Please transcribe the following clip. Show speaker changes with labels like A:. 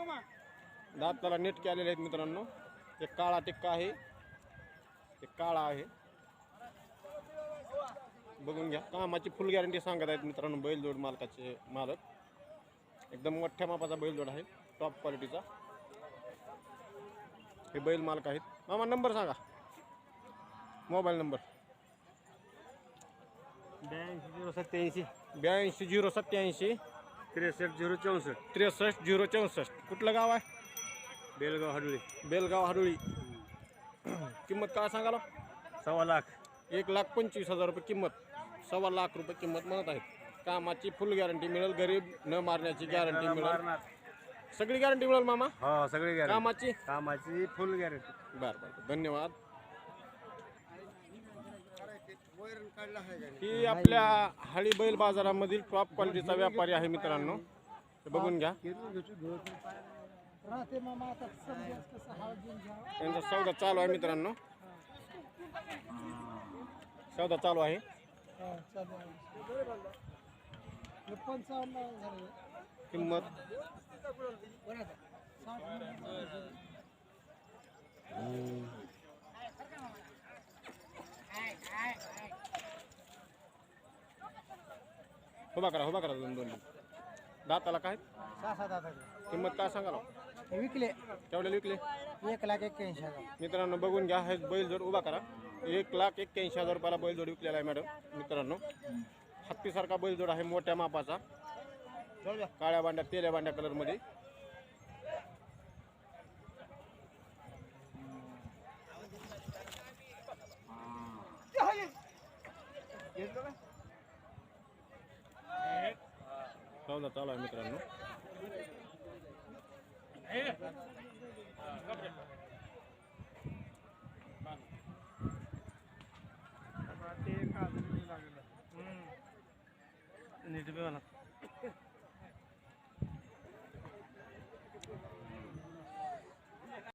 A: दाताला नीट केलेले आहेत मित्रांनो. एक काळा टिक्का आहे, एक काळा आहे. बघून घ्या. कामाची फुल गॅरंटी सांगत आहेत मित्रांनो बैलजोड मालकाचे मालक. एकदम मोठ्या मापाचा बैलजोड आहे, टॉप क्वालिटीचा. हे बैल मालक आहेत. मामा नंबर सांगा, मोबाईल नंबर.
B: 82
A: 82 087
B: 63 064.
A: 63 064. कुठलं गाव आहे?
B: बेलगाव हडुळी.
A: बेलगाव हडुळी. किंमत काय सांगाला?
B: 1.25 लाख.
A: 1,25,000 रुपये किंमत. 1.25 लाख रुपये किंमत म्हणत आहेत. कामाची फुल गॅरंटी मिळेल, गरीब न मारण्याची गॅरंटी मिळेल, सगळी गॅरंटी मिळेल मामा.
B: हो सगळी गॅरंटी.
A: कामाची
B: फुल गॅरंटी.
A: बरं बरं, धन्यवाद. ही आपल्या हळी बैल बाजारामधील टॉप क्वालिटीचा व्यापारी आहे मित्रांनो. बघून घ्या. त्यांचा सौदा चालू आहे मित्रांनो, सौदा चालू आहे. किंमत उभा करा, उभा करा. दोन दाताला काय
B: 6-7 दात.
A: किंमत काय सांगाल?
B: विकले.
A: केवढ्याला विकले?
B: 1,81,000.
A: मित्रांनो बघून घ्या. हे बैलजोड उभा करा. 1,81,000 रुपयाला बैलजोड विकलेला आहे मॅडम. मित्रांनो हत्तीसारखा बैलजोड आहे, मोठ्या मापाचा, काळ्या बांड्या तेल्या बांड्या कलरमध्ये. सौदा चालू आहे मित्रांनो.
B: नीट बी